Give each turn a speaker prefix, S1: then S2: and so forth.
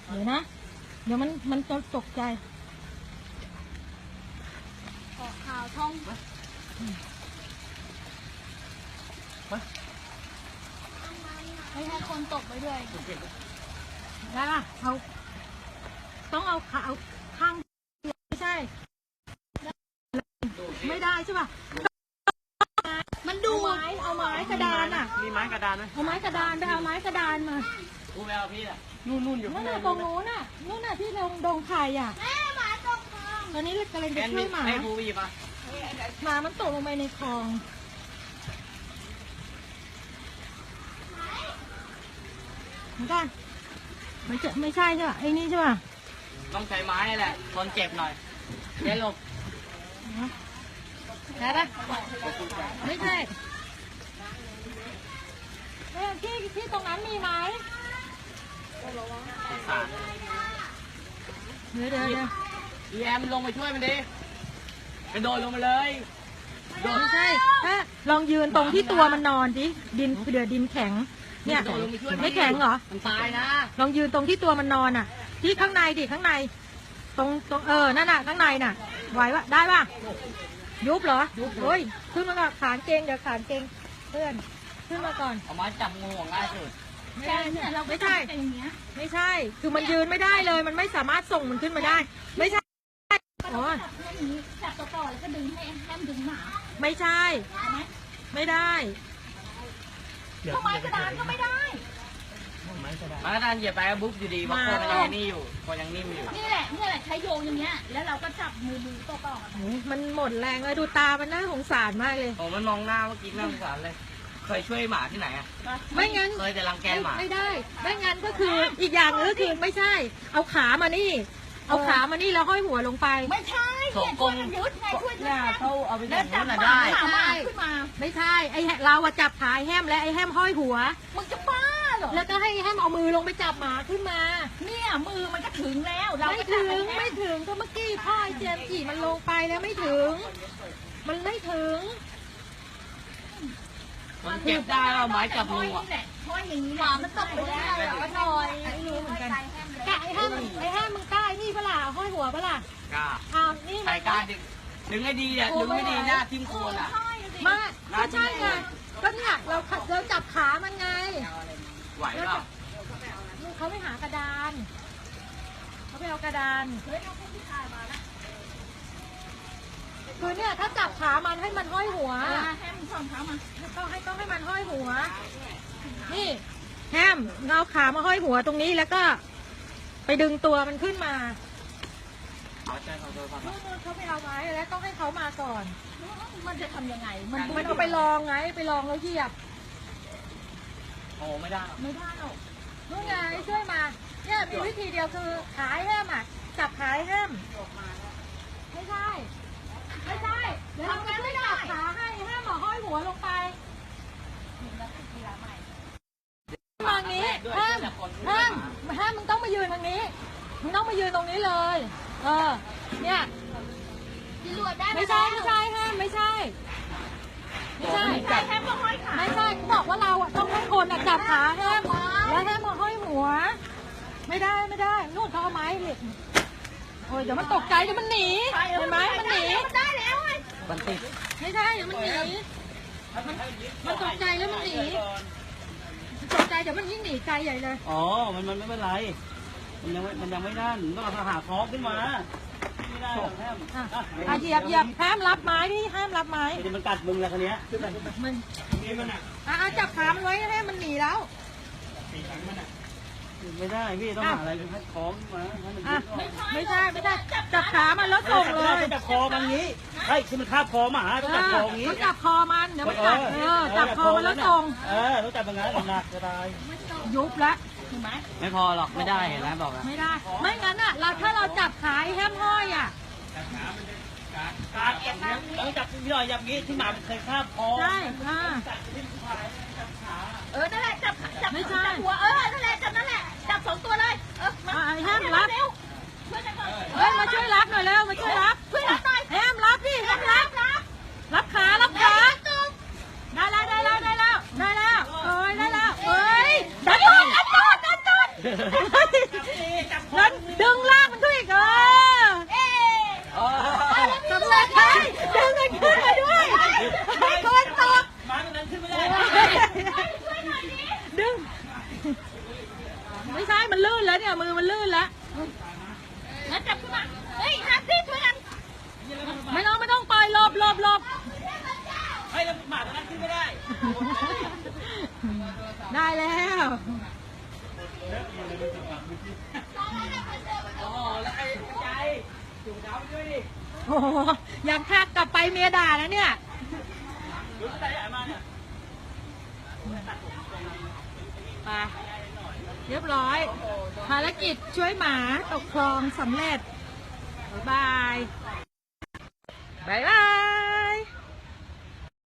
S1: เดี๋ยวนะเดี๋ยวมันจะตกใจ
S2: ออกข่าวท่องไม่ให้คนตกไปด้วย
S1: ได้ป่ะเอาต้องเอาขาเอาข้างไม่ใช่ไม่ได้ใช่ป่ะมันดูเอาไม้กระดานอ่ะ
S3: มีไม้กระดานไหม
S1: เอาไม้กระดานไปเอาไม้กระดานมา
S3: กูไปเอาพี่อ่ะนู่นอยู่ข้างใน
S1: ตรงนู้นน่ะที่ดงไข่อ่ะ
S2: แม่หมาตกคลอง
S1: ตอนนี้เรากำลังจะช่วยหมา
S3: ให้กูไปหยิบอ่ะ
S1: หมามันตกลงไปในคลองเหมือนกันไม่ใช่ใช่ป่ะไอ้นี่ใช่ป่ะ
S3: ต้องใช้ไม้แหละทนเจ็บหน่อยเดี๋ยวลง
S1: ได้ปะไม่ใช่ที่ตรงนั้นมีไหมเดี๋ยว
S3: อีแอมลงไปช่วยมันดิกระโดดลงมาเลย
S1: ไม่ใช่ถ้าลองยืนตรงที่ตัวมันนอนดิดินเดือดินแข็งเนี่ยไม่แข็งเหรอ
S3: มันตายนะ
S1: ลองยืนตรงที่ตัวมันนอนอ่ะที่ข้างในดิข้างในตรงนั่นน่ะข้างในน่ะไหววะได้ป่ะยุบเหรอยุบโอ้ยขึ้นมาก่อนขานเกงเดี๋ยวขานเกงเพื่อนขึ้นมาก่อน
S3: เอาไม้จับงูง่ายสุด
S1: ไม่ได้เนี่ยเราไม่ใช่ไม่ใช่คือมันยืนไม่ได้เลยมันไม่สามารถส่งมันขึ้นมาได้ไม่ใช่อ๋อ
S2: จับต่อแล้วก็ดึงให้แอมดึงหมา
S1: ไม่ใช่ไม่ได้
S2: ทำไมกระดานก็ไม่ได้
S3: ไม้กระดานเหยียบไปก็บุ๊บอยู่ดีเพราะคนมันยังนี่อยู่คนยังนิ่มอยู่
S2: นี่แหละใช้โยงอย่างเงี้ยแล้วเราก็จับมือต่อ
S1: มันหมดแรงเลยดูตามันน่าสงสารมากเลย
S3: โอ้มันมองหน้าเมื่อกี้น่าสงสารเลยเคยช่วยหมาที่ไหนอ่ะ
S1: ไม่งั้น
S3: เคยแต่รังแกหมา
S1: ไม่ได้ไม่งั้นก็คืออีกอย่างนึงก็คือไม่ใช่เอาขามานี่เอาขามานี่แล้วห้อยหัวลงไป
S2: ไม่ใช่เนี่ยช่วยกันยึดไงช่วยกัน
S3: เขาเอาไปจับมันได้
S2: ขึ้นมา
S1: ไม่ใช่ไอ้เราจับขาแฮมและไอ้แฮมห้อยหัว
S2: มึงจะบ้าเหรอ
S1: แล้วก็ให้แฮมเอามือลงไปจับหมาขึ้นมา
S2: เนี่ยมือมันก็ถึงแล้วเรา
S1: ไม่ถึงก็เมื่อกี้พ่อเจมส์จีมันลงไปแล้วไม่ถึงมันไม่ถึง
S3: มันเก็บได้เอาไม้จับงูอ่ะ
S2: เพราะอย่างนี้หมามันตกไปแล้วเราก็นอย
S1: ไม่รู้เหมือนกันไอ้แฮมมึงกล้านี่เปล่าห้อยหัวเปล่าก
S3: ล้า
S1: นี่
S3: ใครกล้าดึงให้ดีอ่ะดึงไม่ดีหน้าทิ่มโคนอ่ะ
S1: มาไม่ใช่ไงก็เนี่ยเราจับขามันไง
S3: ไหวเปล่า
S1: เขาไม่หากระดานเขาไปเอากระดานคือเนี่ยถ้าจับขามันให้มันห้อยหัว
S2: ให้มันส่องขามา
S1: ต้องให้มันห้อยหัวนี่แฮมเอาขามาห้อยหัวตรงนี้แล้วก็ไปดึงตัวมันขึ้นมาเขาไปเอาไม้แล้วต้องให้เขามาก่อน
S2: มันจะทำยังไง
S1: มันเอาไปลองไงไปลองแล้วเหยียบ
S3: โอ้ไม่ได้
S2: หรอก
S1: นู่นไงช่วยมาเนี่ยมีวิธีเดียวคือขายแฮมอ่ะจับขายแฮมไม่ใช่เดี๋ยวเราจะไม่จับขาให้แฮมห้อยหัวลงไปทางนี้แฮมมึงต้องมายืนทางนี้มึงต้องมายืนตรงนี้เลยเนี่ยไม่ใช่แฮมไม่ใช่
S2: แฮมก็ห้อยขา
S1: ไม่ใช่บอกว่าเราต้องให้คนจับขาแฮมแล้วแฮมมาห้อยหัวไม่ได้นู่นเขาเอาไม้เหล็กโอ้ยเดี๋ยวมันตกใจเดี๋ยวมันหนีเห็นไหมมันหนี
S2: มันได้แล้ว
S3: มันติด
S1: ไม่ใช่เดี๋ยวมันหนีมันตกใจแล้วมันหนีตกใจเดี๋ยวมันยิ่งหนีใจใหญ่เลย
S3: อ๋อมันไม่เป็นไรมันยังไม่ด้านต้องเอาหาคอขึ้นมาไม่ได้แฮม
S1: เหยียบห้ามรับไม้พี่ห้ามรับไม้
S3: มันกัดมึงแล้วคันนี้
S1: มันจับขามันไว้ให้มันหนีแล้ว
S3: ไม่ได้พี่ต้องหาอะไรให้คล้องมา
S1: ไม่ใช่จับขามันแล้วส่งเลย
S3: จับคอมันงี้คือมันคาบคอหมาต้องจับคองี้
S1: จับคอมันเดี๋ยวมันกัดจับคอมันแล้วส่ง
S3: ต้องจับอย่างนั้นหนักจะตาย
S1: ยุบแล้ว
S3: ไม่พอหรอกไม่ได้เห็นไหมบอก
S1: ไม่ได้ไม่งั้นถ้าเราจับขาแฮมห้อย
S3: ต้องจับพี่หน่อยจับงี้ที่หมาเคยคาบคอ
S1: ใช่
S2: นั่นแหละจับ
S1: ไม่ใช่
S2: หัวนั่นแหละจับสองตัวเลย
S1: แฮมรับมาช่วยรับหน่อยเร็วมาช่วยรับแฮมรับพี่แฮมรับขาได้แล้วเอ้ยได้แล้วดันตูด
S3: ดีจับค
S1: แล้ว
S3: น
S1: ดึงลากมันขึ้นอีกสำเร็จเลยดึงมันขึ้นมาด้วยให้คนตก
S3: มาตรงนั้นขึ้นไม่ได้
S1: ดึง ไม่ใช่ มันลื่นแล้วเนี่ย มือมันลื่นแล้ว
S2: แล้วจับขึ้นมาเฮ้ยฮัตตี้ช่วยกัน
S1: ไม่ต้องปล่อยหลบ
S3: ให้แล้วหมาตรงนั้นขึ้นไม่ได้
S1: ได้แล้ว
S3: อ๋อแล้วไอ้ใจจุ่มน้ำด้วยดิ
S1: โอ้โหยังทักกลับไปเมียด่านะเนี่ย
S3: รู้ใจใหญ่มาเนี่ย
S1: ไป เรียบร้อย ภารกิจช่วยหมาตกคลองสำเร็จ บ๊ายบาย บ๊ายบาย